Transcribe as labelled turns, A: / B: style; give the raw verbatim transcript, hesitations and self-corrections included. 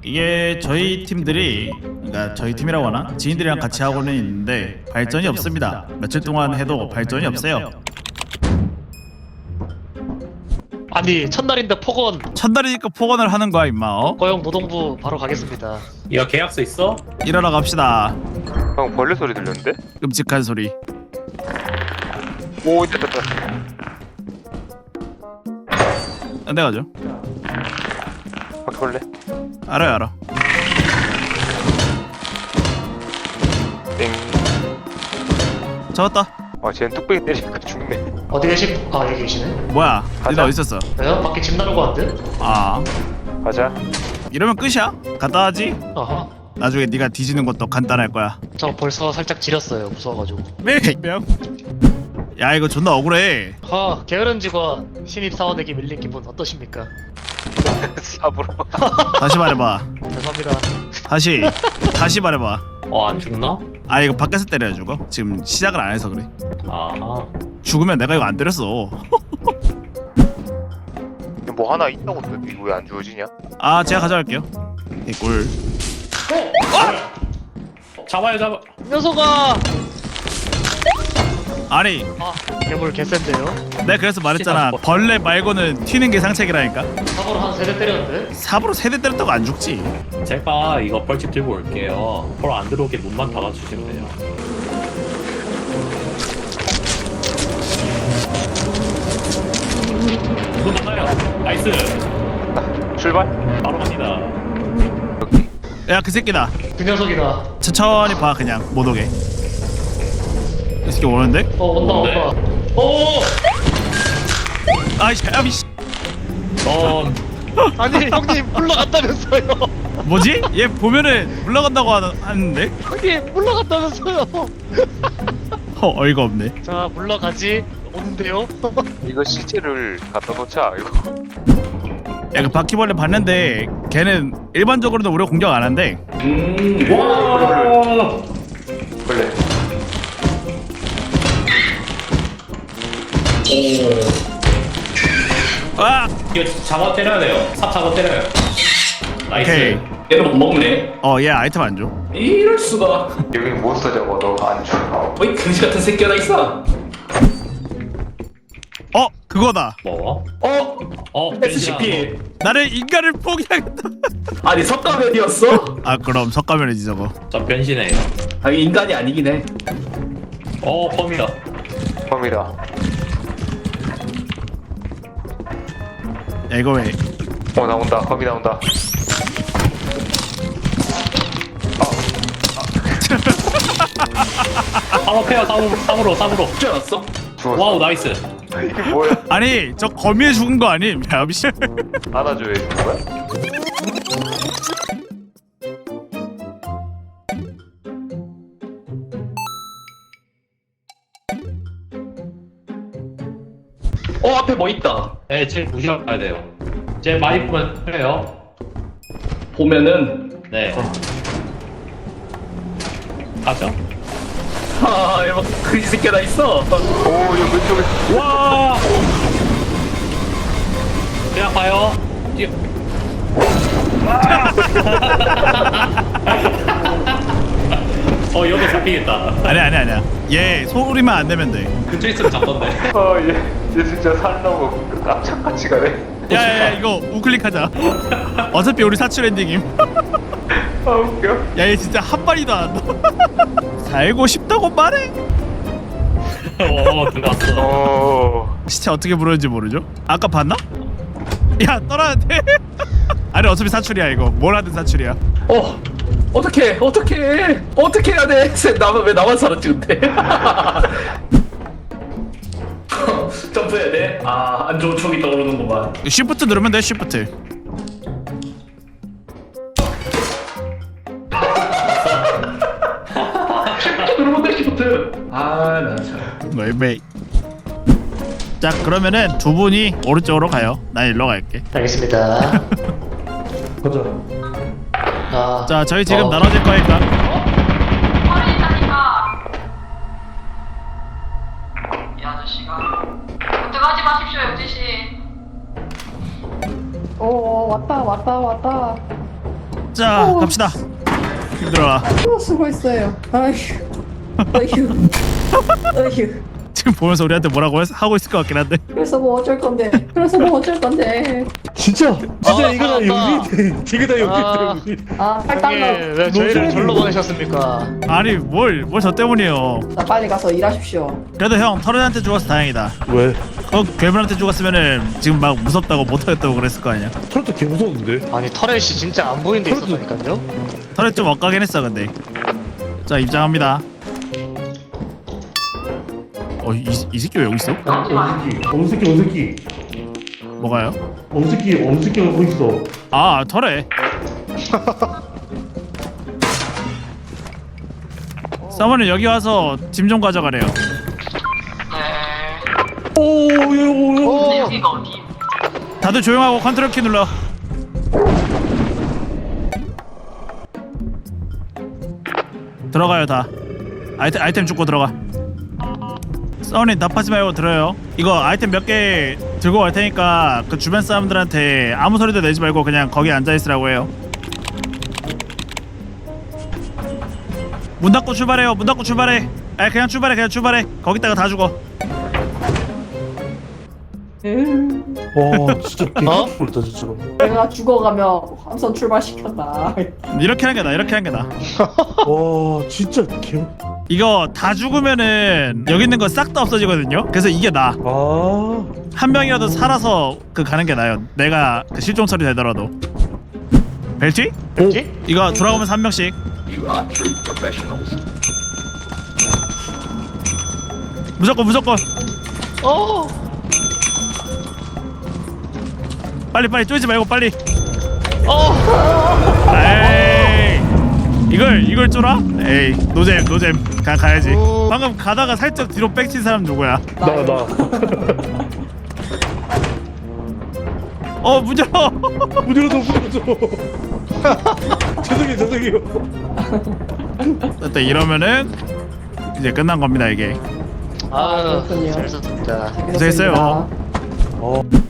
A: 이게 저희 팀들이, 그러니까 저희 팀이라고 하나? 지인들이랑 같이 하고는 있는데 발전이 없습니다. 며칠 동안 해도 발전이 없어요.
B: 아니 첫날인데 폭언.
A: 첫날이니까 폭언을 하는 거야 임마. 어?
B: 고용 노동부 바로 가겠습니다.
C: 이거 계약서 있어?
A: 일하러 갑시다.
D: 형 벌레 소리 들렸는데?
A: 끔찍한 소리.
D: 오 됐다 됐다.
A: 안 돼가죠.
D: 바퀴벌레.
A: 알아요 알아.
D: 땡.
A: 잡았다.
D: 아 쟤는 뚝배기 때리니까 죽네.
B: 어디 계시? 아 여기 계시네.
A: 뭐야?
D: 가자.
A: 니네 어디 있었어?
B: 왜요? 밖에 집 나르고 왔는데?
A: 아
D: 가자.
A: 이러면 끝이야? 간단하지?
B: 아하.
A: 나중에 네가 뒤지는 것도 간단할 거야.
B: 저 벌써 살짝 지렸어요. 무서워가지고.
A: 명. 야 이거 존나 억울해.
B: 아 게으른 직원 신입 사원에게 밀린 기분 어떠십니까?
D: 삽으로.
A: 다시 말해봐.
B: 죄송합니다.
A: 다시 다시 말해봐.
C: 어, 안 죽나?
A: 아 이거 밖에서 때려야 죽어? 지금 시작을 안 해서 그래.
C: 아,
A: 죽으면 내가 이거 안 때렸어.
D: 뭐 하나 있다고 했는데 이거 왜 안 주어지냐?
A: 아 제가 가져갈게요. 개꿀.
C: 잡아요, 잡아.
B: 녀석아!
A: 아니
B: 아 괴물 개센데요?
A: 내가 그래서 말했잖아. 벌레 말고는 튀는 게 상책이라니까.
B: 사고로 한 세대 때렸는데?
A: 삽으로 세대 때렸다고 안 죽지.
C: 제가 이거 벌집 들고 올게요. 벌 안 들어오게 문만 닫아주시면 돼요. 문 닫아요. 나이스.
D: 출발.
C: 바로 갑니다.
A: 야 그 새끼다.
B: 그 녀석이다.
A: 천천히 봐 그냥 못 오게. 이 새끼 오는데?
B: 어 온다
C: 뭔데?
B: 온다. 오!
A: 아이씨 아이씨.
C: 넌
B: 아니 형님 물러갔다면서요.
A: 뭐지? 얘 보면은 물러간다고 하는, 하는데?
B: 형님 물러갔다면서요.
A: 어 어이가 없네.
B: 자 물러가지. 오는데요?
D: 이거 시체를 갖다 놓자 이거.
A: 야 그 바퀴벌레 봤는데 걔는 일반적으로는 우리가 공격 안 한대.
C: 음, 와.
D: 벌레.
A: 아!
C: 이거 잡아 때려야 돼요. 삽 잡아 때려요. 나이스.
A: 오케이.
E: 얘는 못 먹네.
A: 어 얘 아이템 안 줘.
E: 이럴 수가.
D: 여기 몬스터 잡아 너가 안 줘.
E: 어이 금지 같은 새끼 하나 있어.
A: 어 그거다.
C: 뭐?
E: 어?
C: 어,
E: 에스시피.
A: 나를 인간을 포기하겠다.
E: 아니 석가면이었어?
A: 아 그럼 석가면이지 저거.
C: 저 변신해요.
E: 아 인간이 아니긴 해.
C: 어, 펌이다.
D: 범이다.
A: 야 이거 왜?
D: 어 나온다. 범이 나온다.
C: 바로 패요, 삽으로, 삽으로, 삽으로.
E: 죽지 않았어?
D: 죽었어.
C: 와우, 나이스.
D: 이게 뭐야?
A: 아니 저 거미에 죽은 거 아님? 야 미씨.
D: 안아줘야 되는 거야?
E: 어 앞에 뭐 있다.
C: 네, 제일 무시하고 가야 돼요. 제 많이 보면 해요.
E: 보면은
C: 네. 가죠.
E: 아 이거 그지 새끼 하나 있어.
D: 오 여기 왼쪽에.
C: 와! 그냥 봐요. 뛰어. 어, 여기 잡히겠다.
A: 아니 아니 아니야. 얘 소리만 안 내면 돼.
C: 근처에 있으면 잡던데.
D: 아얘 얘 진짜 살라고 깜짝같이 가네.
A: 야야야 이거 우클릭하자. 어차피 우리 사출 엔딩임.
D: 아 웃겨.
A: 야 얘 진짜 한 마리도 안 나. 살고 싶다고 말해.
C: 어, 들어왔어.
D: 어.
A: 시체 어떻게 부르는지 모르죠? 아까 봤나? 야 떠나는데? 아니 어차피 사출이야 이거. 뭘 하든 사출이야.
E: 어 어떻게 어떻게 어떻게 해야 돼? 나만 왜 나만 살았지 근데? 점프해야 돼? 아안 좋은 촉이 떠오르는구만.
A: 쉬프트 누르면 돼 쉬프트.
E: 누르면 돼 시프트. 아나 참.
A: 웨이웨이. 자 그러면은 두 분이 오른쪽으로 가요. 난 일로 갈게.
B: 알겠습니다.
E: 가자.
B: 아,
A: 자 저희 지금
B: 어.
A: 나눠질 거니까.
F: 버리니까 이 아저씨가 들어가지 마십시오 영지씨.
G: 오 왔다 왔다 왔다.
A: 자 갑시다. 힘들어라.
G: 어, 수고했어요. 아휴, 어휴, 어휴.
A: 지금 보면서 우리한테 뭐라고 했- 하고 있을 것 같긴 한데.
G: 그래서 뭐 어쩔 건데? 그래서 뭐 어쩔 건데?
H: 진짜 진짜
B: 아,
H: 이거 다
B: 아,
H: 용이 이거 다
B: 아.
H: 용이 때문에
G: 아, 팔
B: 형님
G: 달러.
B: 왜 저희를 절로 보내셨습니까?
A: 아니 뭘 뭘 저 때문이에요.
G: 나 빨리 가서 일하십시오.
A: 그래도 형 터렛한테 죽어서 다행이다.
H: 왜?
A: 어 괴물한테 죽었으면은 지금 막 무섭다고 못하겠다고 그랬을 거 아니야.
H: 트로트 개 무서운데?
B: 아니 터렛이 진짜 안 보이는 데 있었다니까요?
A: 터렛 좀 엇가긴 했어 근데. 자 입장합니다. 어이 이 새끼 왜 여기 있어?
H: 엄새끼 엄새끼 엄새끼
A: 뭐가요?
H: 엄새끼 엄새끼가 거기 있어.
A: 아 터렛. 사모님 여기 와서 짐 좀 가져가래요.
F: 네.
H: 오오오
F: 근데 여기가 어디?
A: 다들 조용하고 컨트롤 키 눌러. 들어가요 다. 아이템 아이템 줍고 들어가. 사모님 답하지 말고 들어요. 이거 아이템 몇 개 들고 갈 테니까 그 주변 사람들한테 아무 소리도 내지 말고 그냥 거기 앉아 있으라고 해요. 문 닫고 출발해요. 문 닫고 출발해. 아 그냥 출발해 그냥 출발해. 거기다가 다 죽어.
H: 와 진짜
B: 어?
H: 개꿀다 진짜.
G: 내가 죽어가며 함선 출발시켰다.
A: 이렇게 하는 게 나. 이렇게 하는 게 나.
H: 와 진짜 개.
A: 이거 다 죽으면은 여기 있는 거 싹 다 없어지거든요. 그래서 이게 나.
H: 아
A: 한 명이라도 살아서 그 가는 게 나요. 내가 그 실종 처리 되더라도. 벨티?
B: 뭐지?
A: 이거 돌아오면서 한 명씩. 무조건 무조건.
B: 어.
A: 빨리 빨리 쪼이지 말고 빨리.
B: 어.
A: 에이. 이걸 이걸 쫄아? 에이 노잼 노잼. 가 가야지.
B: 오.
A: 방금 가다가 살짝 뒤로 빽친 사람 누구야?
H: 나 나.
A: 어 문 열어.
H: 문 열어줘 문 열어줘. 죄송해요 죄송해요.
A: 일단 이러면은 이제 끝난 겁니다 이게.
B: 아,
G: 그렇군요.
B: 잘 썼습니다.
A: 고생했어요.
H: 어.